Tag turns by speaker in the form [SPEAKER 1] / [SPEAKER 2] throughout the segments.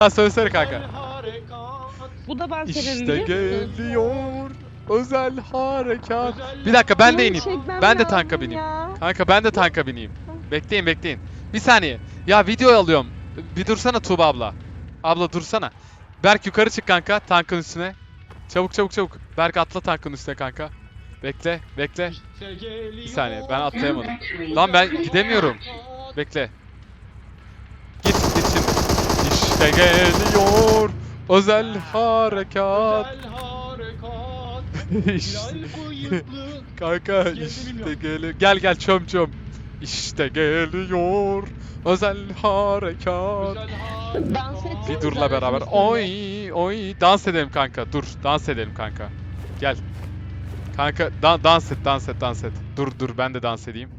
[SPEAKER 1] Söylesene kanka.
[SPEAKER 2] Bu da ben severim
[SPEAKER 1] İşte
[SPEAKER 2] biliyor musun?
[SPEAKER 1] geliyor özel harekat.
[SPEAKER 3] Özel
[SPEAKER 1] Bir dakika ben de
[SPEAKER 2] Bunu
[SPEAKER 1] ineyim.
[SPEAKER 2] çekmem
[SPEAKER 1] Ben de tanka
[SPEAKER 2] lazım
[SPEAKER 1] bineyim.
[SPEAKER 2] ya.
[SPEAKER 1] Kanka ben de tanka bineyim. Bekleyin bekleyin. Bir saniye. Ya video alıyorum. Bir dursana Tuğba abla. Abla dursana. Berk yukarı çık kanka tankın üstüne. Çabuk çabuk çabuk. Berk atla tankın üstüne kanka. Bekle bekle. Bir saniye ben atlayamadım. Lan ben gidemiyorum. Bekle. Git şimdi. İşte geliyor özel harekat.
[SPEAKER 3] Özel harekat.
[SPEAKER 1] İşte.
[SPEAKER 3] Hilal bıyıklı.
[SPEAKER 1] Kanka
[SPEAKER 3] Geldi
[SPEAKER 1] işte
[SPEAKER 3] bilmiyorum.
[SPEAKER 1] geliyor. Gel gel çöm çöm. İşte geliyor özel harekat.
[SPEAKER 3] Özel harekat.
[SPEAKER 2] Dans etsene.
[SPEAKER 1] Bir durla beraber. Oy oy dans edelim kanka. Dur dans edelim kanka. Gel. Kanka dans et dans et dans et. Dur dur ben de dans edeyim.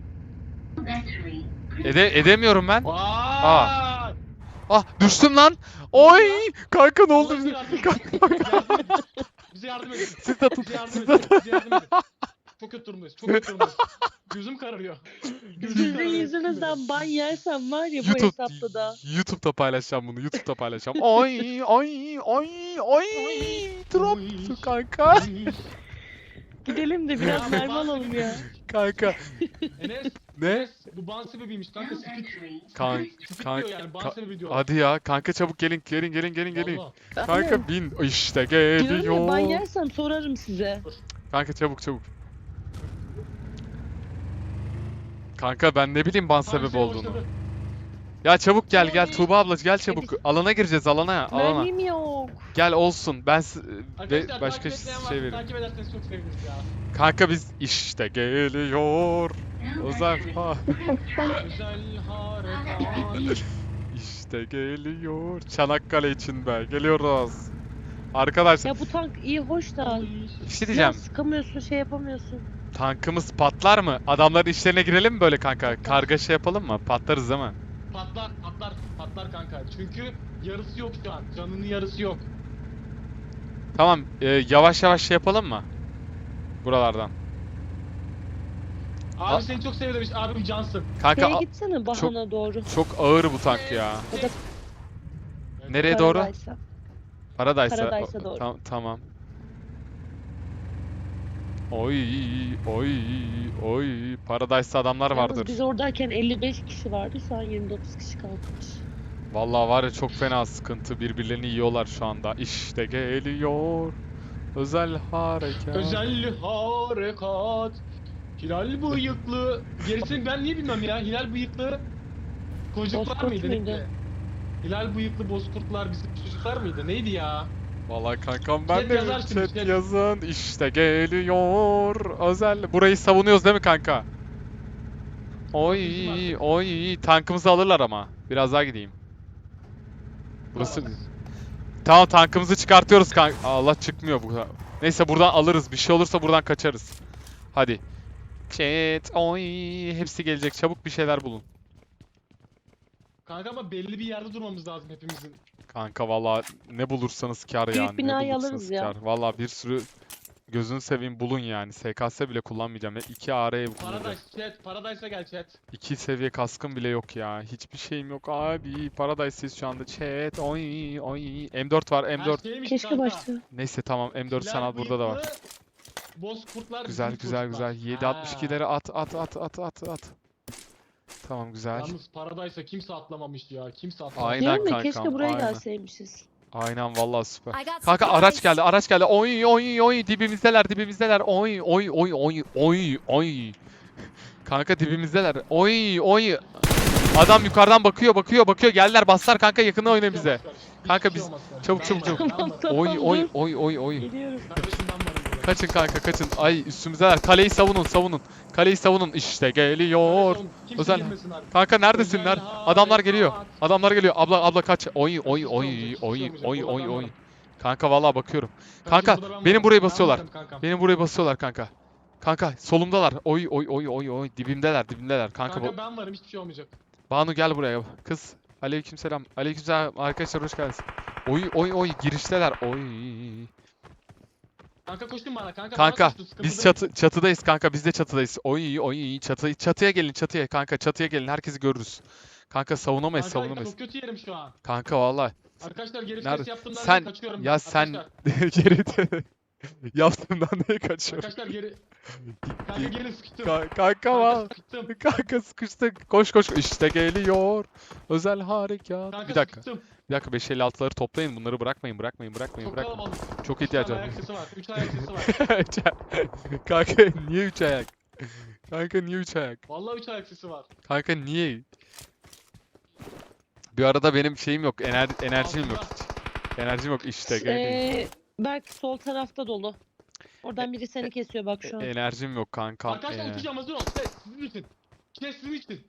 [SPEAKER 1] Edemiyorum ben.
[SPEAKER 3] Vay.
[SPEAKER 1] Ah düştüm lan. Oy kanka ne oldu
[SPEAKER 3] Allah
[SPEAKER 1] bize?
[SPEAKER 3] bize yardım edin.
[SPEAKER 1] Siz de tut.
[SPEAKER 3] Bize yardım
[SPEAKER 1] Siz
[SPEAKER 3] edin.
[SPEAKER 1] de
[SPEAKER 3] Bize yardım edin. Çok kötü durumdayız. Çok kötü durumdayız. Gözüm kararıyor. Gözüm
[SPEAKER 2] Sizin
[SPEAKER 3] kararıyor.
[SPEAKER 2] yüzünüzden ban yersem var ya bu hesapta da.
[SPEAKER 1] YouTube'da paylaşacağım bunu. YouTube'da paylaşacağım. Oy oy oy oy. Drop kanka.
[SPEAKER 2] Gidelim de biraz mermi alalım ya.
[SPEAKER 1] Kanka.
[SPEAKER 3] Enes.
[SPEAKER 1] Ne?
[SPEAKER 3] Enes. Bu ban sebebiymiş kanka. Spit.
[SPEAKER 1] Kanka.
[SPEAKER 3] Spit diyor yani. Ban sebebi diyor.
[SPEAKER 1] Hadi ya kanka çabuk gelin.
[SPEAKER 3] Vallahi.
[SPEAKER 1] Kanka bin işte
[SPEAKER 2] Diyorum ya ban
[SPEAKER 1] geliyor.
[SPEAKER 2] yersem sorarım size.
[SPEAKER 1] Kanka çabuk. Kanka ben ne bileyim ban
[SPEAKER 3] Kanka
[SPEAKER 1] sebebi
[SPEAKER 3] şey
[SPEAKER 1] olduğunu.
[SPEAKER 3] başladı.
[SPEAKER 1] Ya çabuk gel Tuğba abla gel çabuk.
[SPEAKER 2] biz-
[SPEAKER 1] Alana gireceğiz alana.
[SPEAKER 2] Mermim yok.
[SPEAKER 1] Gel olsun. Ben
[SPEAKER 3] Arkadaşlar
[SPEAKER 1] başka
[SPEAKER 3] takip etmeyen
[SPEAKER 1] şey
[SPEAKER 3] varsa
[SPEAKER 1] veririm.
[SPEAKER 3] takip ederseniz çok seviniriz ya.
[SPEAKER 1] Kanka biz işte geliyor. Özel
[SPEAKER 3] Özel harekat.
[SPEAKER 1] İşte geliyor. Çanakkale için be. Geliyoruz. Arkadaşlar
[SPEAKER 2] Ya bu tank iyi hoş da.
[SPEAKER 1] bir şey diyeceğim.
[SPEAKER 2] Ya sıkamıyorsun şey yapamıyorsun.
[SPEAKER 1] Tankımız patlar mı? Adamların işlerine girelim mi böyle kanka? Kargaşa yapalım mı? Patlarız değil mi?
[SPEAKER 3] Patlar kanka. Çünkü yarısı yok şu an. Canının yarısı yok.
[SPEAKER 1] Tamam. Yavaş yavaş şey yapalım mı? Buralardan.
[SPEAKER 3] Abi seni çok seviyor demiş. Abi cansın.
[SPEAKER 1] Kanka
[SPEAKER 2] Şeye gitsene Bahana doğru.
[SPEAKER 1] çok ağır bu tank ya.
[SPEAKER 2] Ya da
[SPEAKER 1] Nereye doğru?
[SPEAKER 2] Paradise'a.
[SPEAKER 1] Paradise'a.
[SPEAKER 2] Paradise'a doğru.
[SPEAKER 1] Tamam. Oy oy. Paradise'da adamlar
[SPEAKER 2] Yalnız
[SPEAKER 1] vardır.
[SPEAKER 2] biz oradayken 55 kişi vardı. Şu an 29 kişi kalmış.
[SPEAKER 1] Vallahi var ya çok fena sıkıntı. Birbirlerini yiyorlar şu anda. İşte geliyor. Özel harekat.
[SPEAKER 3] Özel harekat. Hilal bıyıklı. Gerisini ben niye bilmem ya. Hilal bıyıklı. Çocuklar
[SPEAKER 2] Bozkurt
[SPEAKER 3] mıydı?
[SPEAKER 2] muydu?
[SPEAKER 3] Neydi? Hilal bıyıklı bozkurtlar bizim çocuklar mıydı? Neydi ya?
[SPEAKER 1] Vallahi kankam ben
[SPEAKER 3] Chat
[SPEAKER 1] de
[SPEAKER 3] yazar şimdi,
[SPEAKER 1] chat
[SPEAKER 3] chat.
[SPEAKER 1] yazın. İşte geliyor. Özel. Burayı savunuyoruz değil mi kanka? Oy. Tankımızı alırlar ama. Biraz daha gideyim. Burası... Tamam tankımızı çıkartıyoruz kanka. Allah çıkmıyor bu. Neyse buradan alırız. Bir şey olursa buradan kaçarız. Hadi. Chat. Oy. Hepsi gelecek. Çabuk bir şeyler bulun.
[SPEAKER 3] Kanka ama belli bir yerde durmamız lazım hepimizin.
[SPEAKER 1] Kanka valla ne bulursanız kar
[SPEAKER 2] Büyük
[SPEAKER 1] yani. Ne
[SPEAKER 2] binayı
[SPEAKER 1] bulursanız
[SPEAKER 2] alırız ya.
[SPEAKER 1] kar. Valla bir sürü gözünü seveyim bulun yani. SKS bile kullanmayacağım. 2 AR kullanacağım.
[SPEAKER 3] Paradise chat. Paradise'a gel chat.
[SPEAKER 1] 2 seviye kaskım bile yok ya. Hiçbir şeyim yok abi. Paradise'siz şu anda. Chat. Oy. M4 var.
[SPEAKER 3] Her
[SPEAKER 1] M4.
[SPEAKER 3] şeymiş
[SPEAKER 2] Keşke
[SPEAKER 3] kanka.
[SPEAKER 2] başta.
[SPEAKER 1] Neyse tamam. M4 sen al burada da var.
[SPEAKER 3] Bozkurtlar
[SPEAKER 1] Güzel.
[SPEAKER 3] bizim çocuklar.
[SPEAKER 1] 7.62'leri at. Tamam güzel.
[SPEAKER 3] Yalnız Paradise'a kimse atlamamış ya. Kimse atlamamış.
[SPEAKER 1] Aynen
[SPEAKER 2] Diyorum ya
[SPEAKER 1] kankam,
[SPEAKER 2] keşke buraya
[SPEAKER 1] aynen.
[SPEAKER 2] gelseymişiz.
[SPEAKER 1] Aynen vallahi süper.
[SPEAKER 4] I got
[SPEAKER 1] Kanka
[SPEAKER 4] supplies.
[SPEAKER 1] araç geldi. Oy dibimizdeler. Oy. Kanka dibimizdeler. Oy. Adam yukarıdan bakıyor. Geldiler baslar kanka yakına oyna bize. Kanka biz çabuk.
[SPEAKER 2] Tamam,
[SPEAKER 1] Oy.
[SPEAKER 2] Geliyorum.
[SPEAKER 3] Kardeşim ben varım burada.
[SPEAKER 1] Kaçın kanka kaçın. Ay üstümüzdeler. Kaleyi savunun. Kaleyi savunun. İşte geliyor.
[SPEAKER 3] Kimse
[SPEAKER 1] Özel.
[SPEAKER 3] girmesin abi.
[SPEAKER 1] Kanka neredesinler?
[SPEAKER 3] Özel
[SPEAKER 1] Adamlar geliyor.
[SPEAKER 3] harekat.
[SPEAKER 1] Abla kaç. Oy. Kanka vallahi bakıyorum. Kanka
[SPEAKER 3] burada ben
[SPEAKER 1] benim
[SPEAKER 3] varım.
[SPEAKER 1] burayı
[SPEAKER 3] Ben
[SPEAKER 1] basıyorlar.
[SPEAKER 3] varım kankam.
[SPEAKER 1] Benim burayı basıyorlar kanka. Kanka solumdalar. Oy. Dibimdeler. Kanka
[SPEAKER 3] Kanka ben varım hiçbir şey olmayacak.
[SPEAKER 1] Banu gel buraya. Kız. Aleykümselam. Arkadaşlar hoş geldiniz. Oy. Girişteler. Oy.
[SPEAKER 3] Kanka koştun bana kanka.
[SPEAKER 1] Kanka
[SPEAKER 3] bana koştun, sıkıntı
[SPEAKER 1] biz
[SPEAKER 3] değil.
[SPEAKER 1] çatıdayız kanka. Biz de çatıdayız. Oy. Çatıya gelin. Kanka çatıya gelin. Herkesi görürüz. Kanka savunamayız
[SPEAKER 3] Kanka
[SPEAKER 1] savunamayız.
[SPEAKER 3] çok kötü yerim şu an.
[SPEAKER 1] Kanka vallahi.
[SPEAKER 3] Arkadaşlar geri
[SPEAKER 1] Nerede?
[SPEAKER 3] vites yaptığımdan
[SPEAKER 1] Sen
[SPEAKER 3] dolayı kaçıyorum.
[SPEAKER 1] ya sen
[SPEAKER 3] Arkadaşlar,
[SPEAKER 1] geri yaptığımdan neye kaçıyorsun?
[SPEAKER 3] arkadaşlar geri. Kanka geri sıkıştım.
[SPEAKER 1] Kanka
[SPEAKER 3] Kanka
[SPEAKER 1] var.
[SPEAKER 3] sıkıştım.
[SPEAKER 1] Kanka sıkıştık. Koş koş. İşte geliyor. Özel harekat.
[SPEAKER 3] Kanka
[SPEAKER 1] Bir dakika.
[SPEAKER 3] sıkıştım.
[SPEAKER 1] Bir dakika 556'ları toplayın. Bunları bırakmayın.
[SPEAKER 3] Çok
[SPEAKER 1] Bırakmayın.
[SPEAKER 3] kalabalık.
[SPEAKER 1] Çok
[SPEAKER 3] 3 tane
[SPEAKER 1] ihtiyacım var.
[SPEAKER 3] ayak sesi var. 3 ayak sesi var.
[SPEAKER 1] Kanka niye 3 ayak? Kanka niye 3 ayak?
[SPEAKER 3] Vallahi 3 ayak sesi var.
[SPEAKER 1] Kanka niye? Bir arada benim şeyim yok. Enerjim yok hiç. Enerjim yok işte. gel.
[SPEAKER 2] Berk sol tarafta dolu. Oradan biri seni kesiyor bak şu an.
[SPEAKER 1] Enerjim yok kankam.
[SPEAKER 3] Arkadaşlar uçacağım hazır ol. Ses sizin için. Ses sizin için.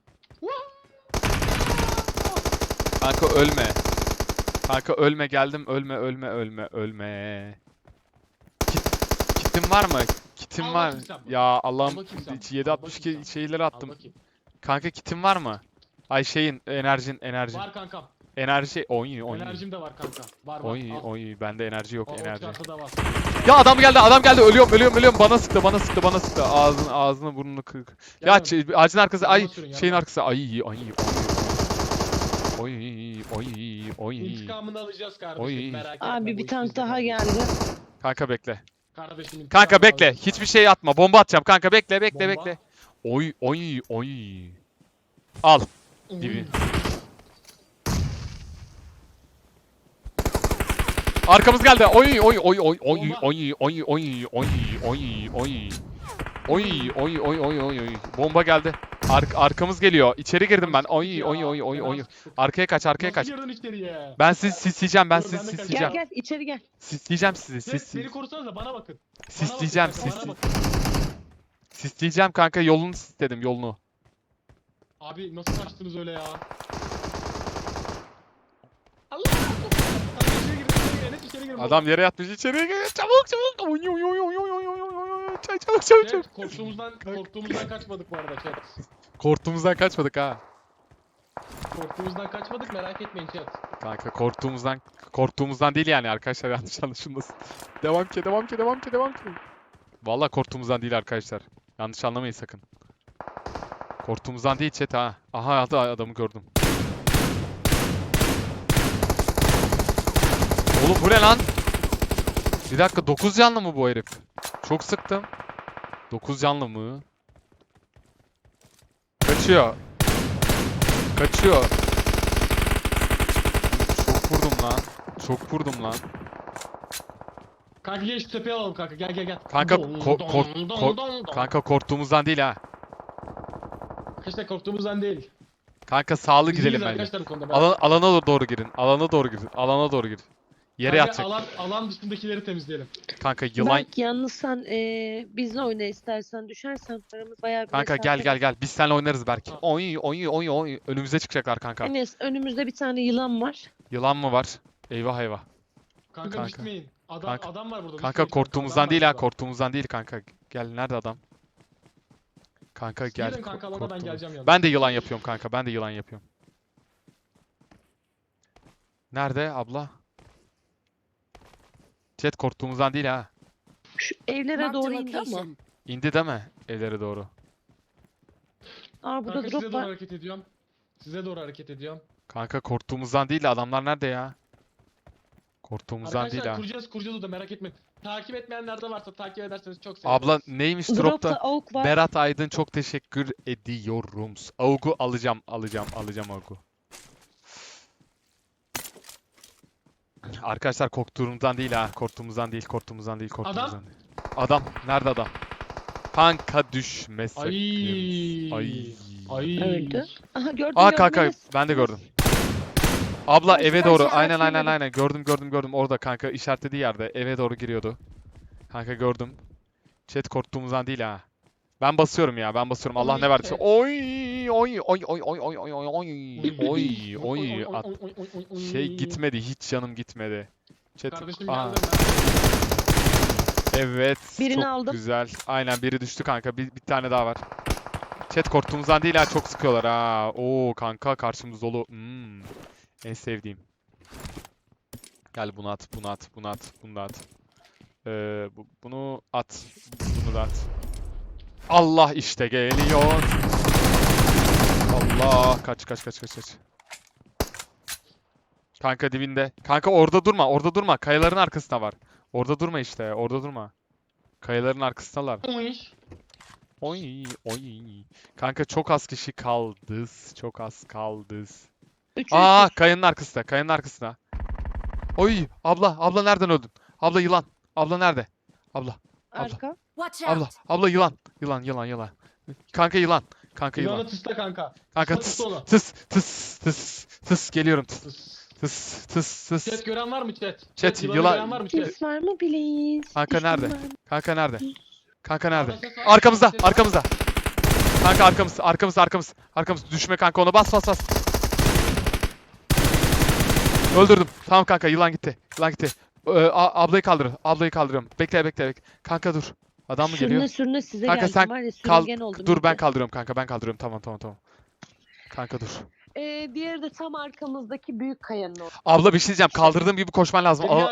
[SPEAKER 1] Kanka ölme. Kanka ölme geldim. Ölme. Kitim var mı? Kitim
[SPEAKER 3] Al
[SPEAKER 1] var.
[SPEAKER 3] bakayım sen bunu.
[SPEAKER 1] Ya Allah'ım
[SPEAKER 3] Al bakayım sen.
[SPEAKER 1] 762
[SPEAKER 3] Al bakayım sen.
[SPEAKER 1] şeyleri
[SPEAKER 3] Al
[SPEAKER 1] attım.
[SPEAKER 3] bakayım.
[SPEAKER 1] Kanka kitim var mı? Ay şeyin enerji.
[SPEAKER 3] Var kankam.
[SPEAKER 1] Enerji oy.
[SPEAKER 3] Enerjim de var kanka. Var. Al.
[SPEAKER 1] Oy bende enerji yok
[SPEAKER 3] O
[SPEAKER 1] enerji.
[SPEAKER 3] çantada var.
[SPEAKER 1] Ya adam geldi. Ölüyorum. Bana sıktı. Ağzını burnunu kır. Ya
[SPEAKER 3] Gelme.
[SPEAKER 1] ağacın arkası ay
[SPEAKER 3] Yanıma sürün,
[SPEAKER 1] şeyin
[SPEAKER 3] yanıma.
[SPEAKER 1] arkası ay. Oy.
[SPEAKER 3] İntikamını alacağız kardeşim.
[SPEAKER 1] Oy.
[SPEAKER 3] Merak etme.
[SPEAKER 2] Abi
[SPEAKER 3] bu
[SPEAKER 2] bir
[SPEAKER 3] iş
[SPEAKER 2] tank
[SPEAKER 3] bizde
[SPEAKER 2] daha
[SPEAKER 3] kardeşim.
[SPEAKER 2] geldi.
[SPEAKER 1] Kanka bekle.
[SPEAKER 3] Kardeşim intikamını
[SPEAKER 1] Kanka bekle.
[SPEAKER 3] alacağız.
[SPEAKER 1] Hiçbir şey atma. Bomba atacağım. Kanka bekle.
[SPEAKER 3] Bomba.
[SPEAKER 1] Oy. Al.
[SPEAKER 3] Uy.
[SPEAKER 1] Gibi. Arkamız geldi. Oy. Bomba geldi. Arkamız geliyor. İçeri girdim ben. Oy. Arkaya kaç.
[SPEAKER 3] Nasıl girdin içeriye?
[SPEAKER 1] Ben sizi sisleyeceğim.
[SPEAKER 3] Dur, ben de kaçacağım.
[SPEAKER 2] Gel içeri gel.
[SPEAKER 1] Sisleyeceğim sizi.
[SPEAKER 3] Beni korusanıza bana bakın.
[SPEAKER 1] Sisleyeceğim.
[SPEAKER 3] Bana bakın.
[SPEAKER 1] Sisleyeceğim kanka. Yolunu sisledim. Yolunu.
[SPEAKER 3] Abi nasıl kaçtınız öyle ya? Allah! Kanka içeri girin, Enes içeri girin.
[SPEAKER 1] Adam yere yatmış. İçeriye gir. Çabuk. Çabuk.
[SPEAKER 3] Chat, korktuğumuzdan kaçmadık bu arada chat.
[SPEAKER 1] Korktuğumuzdan kaçmadık ha.
[SPEAKER 3] Korktuğumuzdan kaçmadık merak etmeyin chat.
[SPEAKER 1] Kanka korktuğumuzdan değil yani arkadaşlar yanlış anlaşılmasın. Devam ki. Vallahi korktuğumuzdan değil arkadaşlar. Yanlış anlamayın sakın. Korktuğumuzdan değil chat ha. Aha adamı gördüm. Oğlum bu ne lan? Bir dakika 9 canlı mı bu herif? Çok sıktım. 9 canlı mı? Kaçıyor. Çok vurdum lan.
[SPEAKER 3] Kanka gel şu tepeye alalım kanka gel.
[SPEAKER 1] Kanka
[SPEAKER 3] Don.
[SPEAKER 1] kanka korktuğumuzdan değil ha.
[SPEAKER 3] Arkadaşlar korktuğumuzdan değil.
[SPEAKER 1] Kanka sağlı
[SPEAKER 3] Biz
[SPEAKER 1] gidelim
[SPEAKER 3] iyiyiz
[SPEAKER 1] bence.
[SPEAKER 3] arkadaşlar bu konuda.
[SPEAKER 1] Alana doğru girin. Alana doğru gir. Yere
[SPEAKER 3] Kanka,
[SPEAKER 1] yatacak.
[SPEAKER 3] alan dışındakileri temizleyelim.
[SPEAKER 1] Kanka yılan.
[SPEAKER 2] Berk yalnız sen bizle oyna istersen düşersen aramız bayağı bir
[SPEAKER 1] Kanka
[SPEAKER 2] mesafe var.
[SPEAKER 1] gel. Biz seninle oynarız belki.
[SPEAKER 3] Ha.
[SPEAKER 1] Oy. Önümüze çıkacaklar kanka.
[SPEAKER 2] Enes önümüzde bir tane yılan var.
[SPEAKER 1] Yılan mı var? Eyvah.
[SPEAKER 3] Kanka,
[SPEAKER 1] Kanka.
[SPEAKER 3] gitmeyin.
[SPEAKER 1] Kanka.
[SPEAKER 3] Adam var burada.
[SPEAKER 1] Kanka
[SPEAKER 3] gitmeyin
[SPEAKER 1] korktuğumuzdan
[SPEAKER 3] adam
[SPEAKER 1] değil
[SPEAKER 3] var
[SPEAKER 1] ha.
[SPEAKER 3] burada.
[SPEAKER 1] Korktuğumuzdan değil kanka. Gel nerede adam? Kanka
[SPEAKER 3] Siz
[SPEAKER 1] gel.
[SPEAKER 3] girin kanka alana ben
[SPEAKER 1] korktuğumuz-
[SPEAKER 3] geleceğim yanına.
[SPEAKER 1] Ben de yılan yapıyorum kanka. Nerede abla? Chat korktuğumuzdan değil ha.
[SPEAKER 2] Şu evlere
[SPEAKER 4] Marked a
[SPEAKER 2] doğru indi ama.
[SPEAKER 4] location.
[SPEAKER 1] İndi deme evlere doğru.
[SPEAKER 2] Aa burada
[SPEAKER 3] Kanka size
[SPEAKER 2] drop
[SPEAKER 3] doğru
[SPEAKER 2] var.
[SPEAKER 3] hareket ediyorum.
[SPEAKER 1] Kanka korktuğumuzdan değil de adamlar nerede ya? Korktuğumuzdan değil
[SPEAKER 3] Arkadaşlar
[SPEAKER 1] ha.
[SPEAKER 3] kuracağız o da merak etmeyin. Takip etmeyenler de varsa takip ederseniz çok seviniriz.
[SPEAKER 1] Abla neymiş
[SPEAKER 2] Dropta
[SPEAKER 1] dropta?
[SPEAKER 2] AUK var.
[SPEAKER 1] Berat Aydın çok teşekkür ediyorum. Augu alacağım Augu. Arkadaşlar korktuğumuzdan değil ha. Korktuğumuzdan değil. Adam nerede adam? Kanka düşme sakın. Ay.
[SPEAKER 2] Öldü. Aha gördüm
[SPEAKER 1] Aa
[SPEAKER 2] gördüm
[SPEAKER 1] kanka
[SPEAKER 2] Enes.
[SPEAKER 1] ben de gördüm. Abla
[SPEAKER 2] Karşı
[SPEAKER 1] eve doğru.
[SPEAKER 2] karşıya
[SPEAKER 1] Aynen
[SPEAKER 2] karşıya
[SPEAKER 1] gördüm. Orada kanka işaretlediği yerde eve doğru giriyordu. Kanka gördüm. Chat korktuğumuzdan değil ha. Ben basıyorum. Allah ne verdiyse. Oy. Şey gitmedi. Hiç canım gitmedi. Chat.
[SPEAKER 3] Kardeşim
[SPEAKER 1] Aa,
[SPEAKER 3] geldim
[SPEAKER 1] evet.
[SPEAKER 2] Birini
[SPEAKER 1] Çok
[SPEAKER 2] aldım.
[SPEAKER 1] güzel. Aynen biri düştü kanka. Bir tane daha var. Chat korktuğumuzdan değil ha. Çok sıkıyorlar ha. Oo kanka karşımız dolu. En sevdiğim. Gel bunu at. Bunu da at. Bunu da at. Allah işte geliyor. Allah kaç. Kanka dibinde. Kanka orada durma, orada durma. Kayaların arkasında var. Orada durma işte, orada durma. Kayaların arkasındalar. Oy. Kanka çok az kişi kaldı. Çok az kaldı.
[SPEAKER 2] Üç,
[SPEAKER 1] Aa,
[SPEAKER 2] üç.
[SPEAKER 1] kayanın arkasında. Oy, abla nereden öldün? Abla yılan. Abla nerede? Abla,
[SPEAKER 2] Arka.
[SPEAKER 4] Watch
[SPEAKER 1] abla,
[SPEAKER 4] out!
[SPEAKER 1] abla yılan. Yılan. Kanka yılan. Kanka yılan.
[SPEAKER 3] Yılanı tısla kanka.
[SPEAKER 1] Kanka
[SPEAKER 3] Tısla onu.
[SPEAKER 1] tıs geliyorum tıs.
[SPEAKER 3] Chat gören var mı chat?
[SPEAKER 1] Chat,
[SPEAKER 3] Yılanı
[SPEAKER 1] yılan-
[SPEAKER 3] gören var mı chat?
[SPEAKER 2] Ses var mı please?
[SPEAKER 1] Kanka
[SPEAKER 2] Düşman
[SPEAKER 1] nerede?
[SPEAKER 2] var mı?
[SPEAKER 1] Kanka nerede? Kanka nerede?
[SPEAKER 3] Sağda ses var,
[SPEAKER 1] Arkamızda,
[SPEAKER 3] sağda ses var.
[SPEAKER 1] arkamızda. Kanka arkamız. Düşme kanka ona bas. Öldürdüm. Tamam kanka yılan gitti. Ablayı kaldırıyorum. Bekle. Kanka dur. Adam mı geliyor?
[SPEAKER 2] Sürüne size
[SPEAKER 1] Kanka
[SPEAKER 2] geldim
[SPEAKER 1] sen
[SPEAKER 2] var ya
[SPEAKER 1] Kal
[SPEAKER 2] sürüngen oldum.
[SPEAKER 1] dur ben
[SPEAKER 2] iyice.
[SPEAKER 1] kaldırıyorum kanka ben kaldırıyorum. Tamam. Kanka dur.
[SPEAKER 2] Diğeri de tam arkamızdaki büyük kayanın orada.
[SPEAKER 1] Abla bir şey diyeceğim. Kaldırdığım gibi koşman lazım.
[SPEAKER 3] Beni